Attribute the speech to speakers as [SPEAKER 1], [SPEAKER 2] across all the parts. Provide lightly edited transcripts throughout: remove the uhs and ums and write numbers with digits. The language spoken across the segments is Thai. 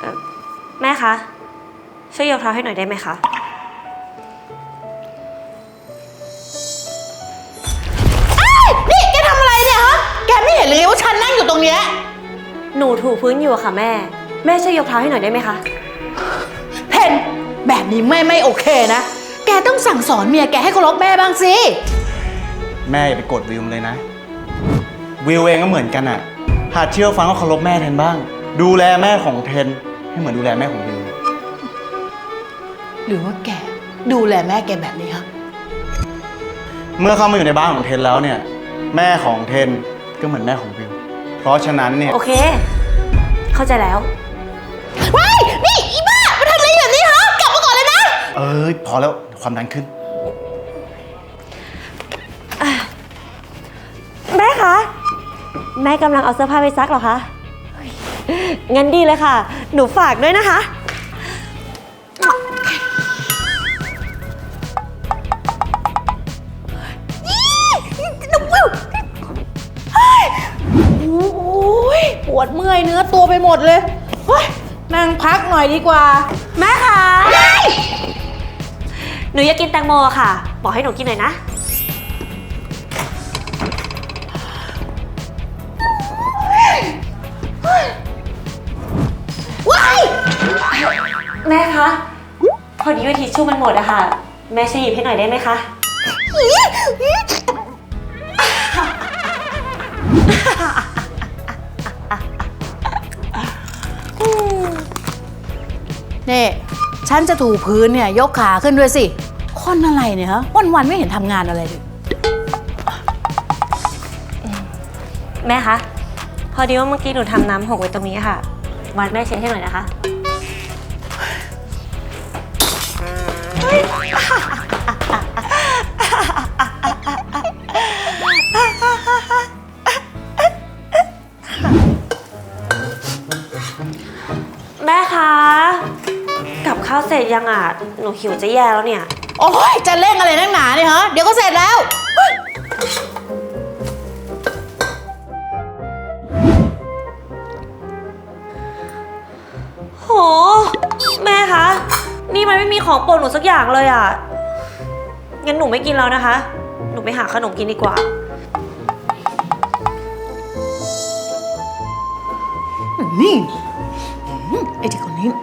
[SPEAKER 1] แม่คะช่วยยกเท้าให้หน่อยได้ไหมคะ
[SPEAKER 2] นี่แกทำอะไรเนี่ยฮะแกไม่เห็นเลยว่าฉันนั่งอยู่ตรงเนี้ย
[SPEAKER 1] หนูถูพื้นอยู่อะค่ะแม่ช่วยยกเท้าให้หน่อยได้ไหมคะ
[SPEAKER 2] เพนแบบนี้ไม่โอเคนะแกต้องสั่งสอนเมียแกให้เคารพแม่บ้างสิ
[SPEAKER 3] แม่อย่าไปกดวิวเลยนะวิวเองก็เหมือนกันอะหัดเชื่อฟังก็เคารพแม่เทนบ้างดูแลแม่ของเทนให้เหมือนดูแลแม่ของวิว
[SPEAKER 2] หรือว่าแกดูแลแม่แกแบบนี้ฮะ
[SPEAKER 3] เมื่อเข้ามาอยู่ในบ้านของเทนแล้วเนี่ยแม่ของเทนก็เหมือนแม่ของวิวเพราะฉะนั้นเนี่ย
[SPEAKER 1] โอเคเข้าใจแล้ว
[SPEAKER 2] ว้ายนี่อีบ้ามาทำอะไรแบบนี้ฮะกลับมาก่อนเลยนะ
[SPEAKER 3] พอแล้วความดันขึ้น
[SPEAKER 1] แม่คะแม่กำลังเอาเสื้อผ้าไปซักเหรอคะงั้นดีเลยค่ะหนูฝากด้วยนะคะ
[SPEAKER 2] โอ้ยปวดเมื่อยเนื้อตัวไปหมดเลยนั่งพักหน่อยดีกว่า
[SPEAKER 1] แม่คะหนูอยากกินแตงโมค่ะบอกให้หนูกินหน่อยนะแม่คะพอดีว่าทิชชู่มันหมดอะค่ะแม่ช่วยหยิบให้หน่อยได้ไหมคะ
[SPEAKER 2] นี่ฉันจะถูพื้นเนี่ยยกขาขึ้นด้วยสิคนอะไรเนี่ยฮะวันไม่เห็นทำงานอะไรเลย
[SPEAKER 1] แม่คะพอดีว่าเมื่อกี้หนูทำน้ำหกไว้ตรงนี้ค่ะวันแม่เช็ดให้หน่อยนะคะแม่คะกับข้าวเสร็จยังอ่ะหนูหิวจะแย่แล้วเนี่ย
[SPEAKER 2] โอ้ยจะเร่งอะไรนักหนาเนี่ยฮะเดี๋ยวก็เสร็จแล้ว
[SPEAKER 1] โหแม่คะนี่มันไม่มีของโปรดหนูสักอย่างเลยอ่ะงั้นหนูไม่กินแล้วนะคะหนูไปหาขนมกินดีกว่า
[SPEAKER 2] นี่ไอ้เด็กคนนี้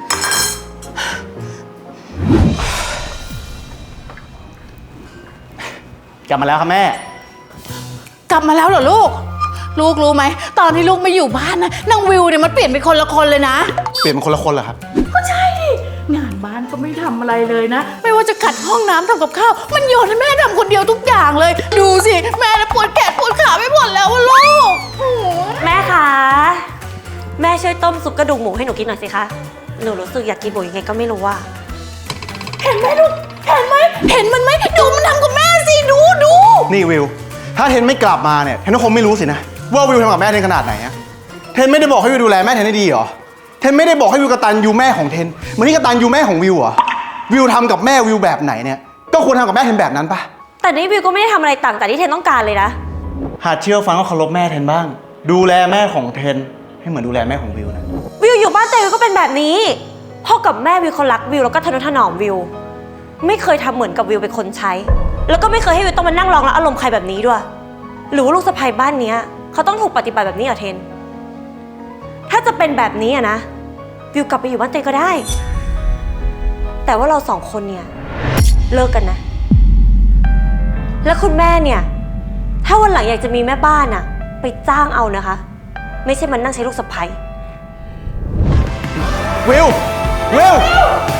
[SPEAKER 3] กลับมาแล้วครับแม่
[SPEAKER 2] กลับมาแล้วเหรอลูกรู้ไหมตอนที่ลูกไม่อยู่บ้านนะนางวิวเนี่ยมันเปลี่ยนเป็นคนละคนเลยนะ
[SPEAKER 3] เปลี่ยนเป็นคนละคนเหรอครับ
[SPEAKER 2] ก็ใช่ดิงานบ้านก็ไม่ทำอะไรเลยนะไม่ว่าจะขัดห้องน้ำทำกับข้าวมันโยนให้แม่ทำคนเดียวทุกอย่างเลยดูสิแม่ปวดแขนปวดขาไม่หมดแล้วลูก
[SPEAKER 1] แม่คะแม่ช่วยต้มซุปกระดูกหมูให้หนูกินหน่อยสิคะหนูรู้สึกอยากกินหมูยังไงก็ไม่รู้ว่า
[SPEAKER 2] เห็นไหมลูกเห็นมันไหมดูมันทำกับแม่สิดู
[SPEAKER 3] นี่วิวถ้าเทนไม่กลับมาเนี่ยเทนก็คงไม่รู้สินะว่าวิวทำกับแม่เทนขนาดไหนอะเทนไม่ได้บอกให้วิวดูแลแม่เทนได้ดีหรอเทนไม่ได้บอกให้วิวกตัญญูแม่ของเทนเหมือนที่กตัญญูแม่ของวิวเหรอวิวทำกับแม่วิวแบบไหนเนี่ยก็ควรทำกับแม่เทนแบบนั้นปะ
[SPEAKER 1] แต่นี่วิวก็ไม่ได้ทำอะไรต่างจากที่เทนต้องการเลยนะ
[SPEAKER 3] หัดเชื่อฟังก็เคารพแม่เทนบ้างดูแลแม่ของเทนให้เหมือนดูแลแม่ของวิวนะ
[SPEAKER 1] วิวอยู่บ้านแต่วิวก็เป็นแบบนี้พ่อกับแม่วิวเขารักวิวแล้วก็ทนุถนอมวิวไม่เคยทำเหมือนกับวิวเป็นคนใช้แล้วก็ไม่เคยให้วิวต้องมานั่งร้องรับอารมณ์ใครแบบนี้ด้วยหรือว่าลูกสะใภ้บ้านนี้เขาต้องถูกปฏิบัติแบบนี้เหรอเทนถ้าจะเป็นแบบนี้อะนะวิวกลับไปอยู่บ้านเตยก็ได้แต่ว่าเราสองคนเนี่ยเลิกกันนะแล้วคุณแม่เนี่ยถ้าวันหลังอยากจะมีแม่บ้านอะไปจ้างเอานะคะไม่ใช่มันนั่งใช้ลูกสะใภ้
[SPEAKER 3] วิว